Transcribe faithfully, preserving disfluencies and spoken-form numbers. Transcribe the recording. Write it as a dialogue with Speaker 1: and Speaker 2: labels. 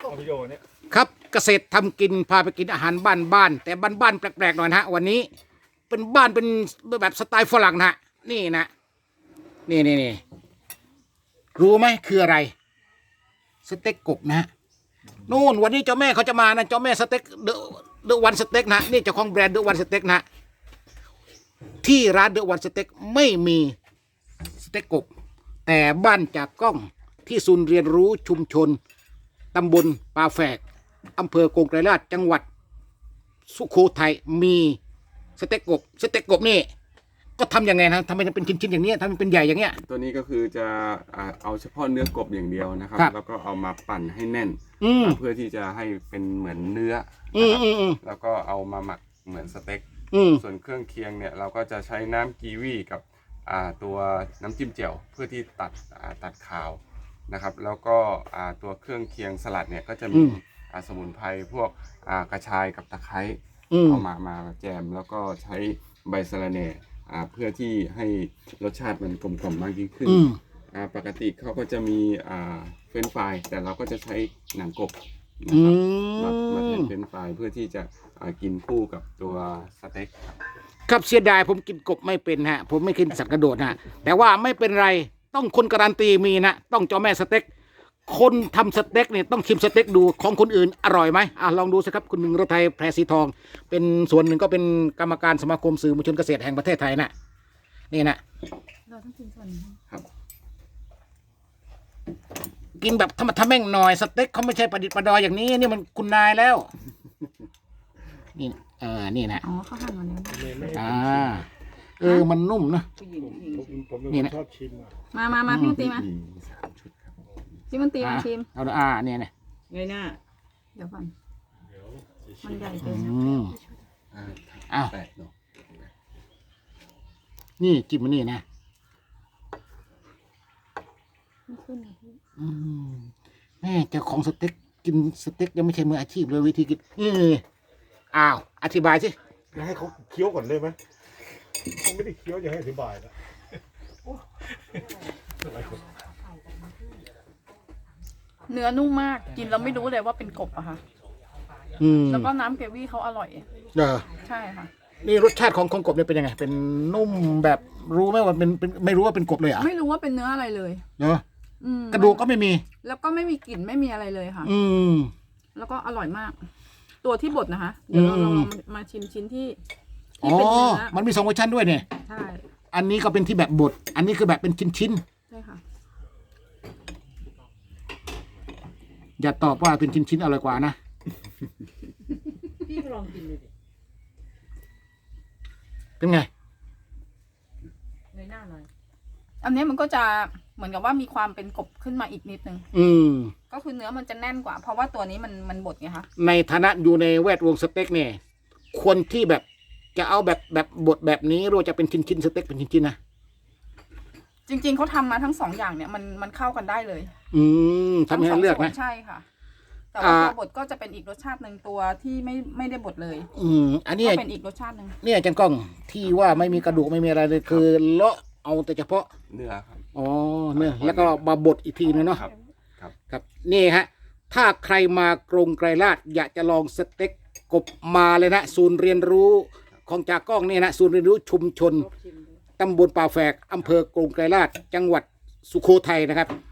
Speaker 1: ครับเกษตรทำกินพาไปกินอาหารบ้านบ้านแต่บ้านบ้านแปลกๆหน่อยนะฮะวันนี้เป็นบ้านเป็นแบบสไตล์ฝรั่งนะฮะนี่นะนี่นี่นี่รู้ไหมคืออะไรสเต็กกบนะฮะนู่นวันนี้เจ้าแม่เขาจะมานะเจ้าแม่สเต็กเดอะเดอะวันสเต็กนะนี่เจ้าของแบรนด์เดอะวันสเต็กนะที่ร้านเดอะวันสเต็กไม่มีสเต็กกบแต่บ้านจากกล้องที่ศูนย์เรียนรู้ชุมชนตำบลป่าแฝกอำเภอกงไกรลาษจังหวัดสุโขทัยมีสเต็กกบสเต็กกบนี่ก็ทำยังไงนะทำไมมันเป็นชิ้นๆอย่างนี้ทำมันเป็นใหญ่อย่างเงี้ย
Speaker 2: ตัวนี้ก็คือจะเอาเฉพาะเนื้อกบอย่างเดียวนะครับแล้วก็เอามาปั่นให้แน่นเพื่อที่จะให้เป็นเหมือนเนื้อแล้วก็เอามาหมักเหมือนสเต็กส่วนเครื่องเคียงเนี่ยเราก็จะใช้น้ำกีวีกับตัวน้ำจิ้มแจ่วเพื่อที่ตัดตัดขาวนะครับแล้วก็ตัวเครื่องเคียงสลัดเนี่ยก็จะมีสมุนไพรพวกกระชายกับตะไคร้เอามามาแจมแล้วก็ใช้ใบสะระแหน่เพื่อที่ให้รสชาติมันกลมกล่อมมากยิ่งขึ้นปกติเขาก็จะมีเฟรนช์ฟรายแต่เราก็จะใช้หนังกบนะครับมามาแทนเฟรนช์ฟรายเพื่อที่จะกินคู่กับตัวสเต็ก
Speaker 1: ครับเสียดายผมกินกบไม่เป็นฮะผมไม่กินสัตว์กระโดดฮะแต่ว่าไม่เป็นไรต้องคนการันตีมีนะต้องเจ้าแม่สเต็กคนทำสเต็กเนี่ยต้องชิมสเต็กดูของคนอื่นอร่อยไหมอ่ะลองดูสิครับคุณหนึ่งรถไทยแพรสีทองเป็นส่วนหนึ่งก็เป็นกรรมการสมาคมสื่อมวลชนเกษตรแห่งประเทศไทยนะนี่นะ
Speaker 3: เราต้องกินส่วนนี้
Speaker 2: ครับ
Speaker 1: กินแบบธรรมะทะแม่งหน่อยสเต็กเขาไม่ใช่ประดิษฐ์ประดอยอย่างนี้นี่มันคุณนายแล้วนี่เออนี่นะ
Speaker 3: อ๋อเขาหั่นมาแล้ว
Speaker 1: อ่าเออมันนุ่มนะ
Speaker 4: นี่นะชอบชิม
Speaker 3: มามามาพี่มันตีมาพี่มันตีมาชิม
Speaker 1: เอาอ่าเนี่ยเนี่ย
Speaker 5: ไงหน้า
Speaker 3: เดี๋ยวก่อนมันใหญ่เกิน
Speaker 1: อ้าวนี่จิ้มมันนี่นะแม่เจ้าของสเต็กกินสเต็กยังไม่ใช่มืออาชีพเลยวิธีกินนี่อ้าวอธิบายสิ
Speaker 4: จะให้เขาเคี้ยวก่อนได้ไหมเขาไม่ได้เคี้ยวจะให้อธิบายนะ
Speaker 3: เนื้อนุ่มมากกินเราไม่รู้เลยว่าเป็นกบอะค่ะแล้วก็น้ำเกวี่เขาอร่อย
Speaker 1: เออ
Speaker 3: ใช่ค่ะ
Speaker 1: นี่รสชาติของของกบเนี่ยเป็นยังไงเป็นนุ่มแบบรู้ไหมว่าเป็นเป็นไม่รู้ว่าเป็นกบเลยอ่ะ
Speaker 3: ไม่รู้ว่าเป็นเนื้ออะไรเลย
Speaker 1: เนาะกระดูกก็ไม่มี
Speaker 3: แล้วก็ไม่มีกลิ่นไม่มีอะไรเลยค่ะ
Speaker 1: อืม
Speaker 3: แล้วก็อร่อยมากตัวที่บดนะคะเดี๋ยวเราลองมาชิมชิ้นที่
Speaker 1: อ๋อมันมีสองเวอร์ชันด้วยเนี่ย
Speaker 3: ใช่
Speaker 1: อันนี้ก็เป็นที่แบบบดอันนี้คือแบบเป็นชิ้น
Speaker 3: ๆใช่ค่ะ
Speaker 1: อย่าตอบว่าเป็นชิ้นๆอร่อยกว่านะ
Speaker 5: พี่ลองกินเลยดิ
Speaker 1: เป็นไง
Speaker 5: ในหน้าหน่อย
Speaker 3: อันนี้มันก็จะเหมือนกับว่ามีความเป็นกบขึ้นมาอีกนิดนึง
Speaker 1: อืม
Speaker 3: ก็คือเนื้อมันจะแน่นกว่าเพราะว่าตัวนี้มันมันบดไงคะ
Speaker 1: ในฐานะอยู่ในแวดวงสเต็กเนี่ยคนที่แบบจะเอาแบบแบบบดแบบนี้หรือจะเป็นชิ้นๆสเต็กเป็นชิ้นๆนะ
Speaker 3: จริงๆเขาทำมาทั้งสองอย่างเนี่ยมันมันเข้ากันได้เลย
Speaker 1: อืมทำให้เลือกนะ
Speaker 3: ใช่ค่ะแต่ว่าตัวบดก็จะเป็นอีกรสชาติหนึ่งตัวที่ไม่ไม่ได้บดเลย
Speaker 1: อืมอันนี้
Speaker 3: เป็นอีกรสชาติหนึ่ง
Speaker 1: เนี่ยอาจารย์ก้องที่ว่าไม่มีกระดูกไม่มีอะไรเลยคือเลาะเอาแต่เฉพาะ
Speaker 2: เนื้อครับ
Speaker 1: อ๋อเนื้อแล้วก็มาบดอีกทีนึงเนาะ
Speaker 2: ครับครับ
Speaker 1: ครับนี่ฮะถ้าใครมากรงไกรลาษอยากจะลองสเต็กกบมาเลยนะศูนย์เรียนรู้ของจากกล้องนี่นะศูนย์เรียนรู้ชุมชนตำบลป่าแฝกอำเภอกรงไกรลาษจังหวัดสุโขทัยนะครับ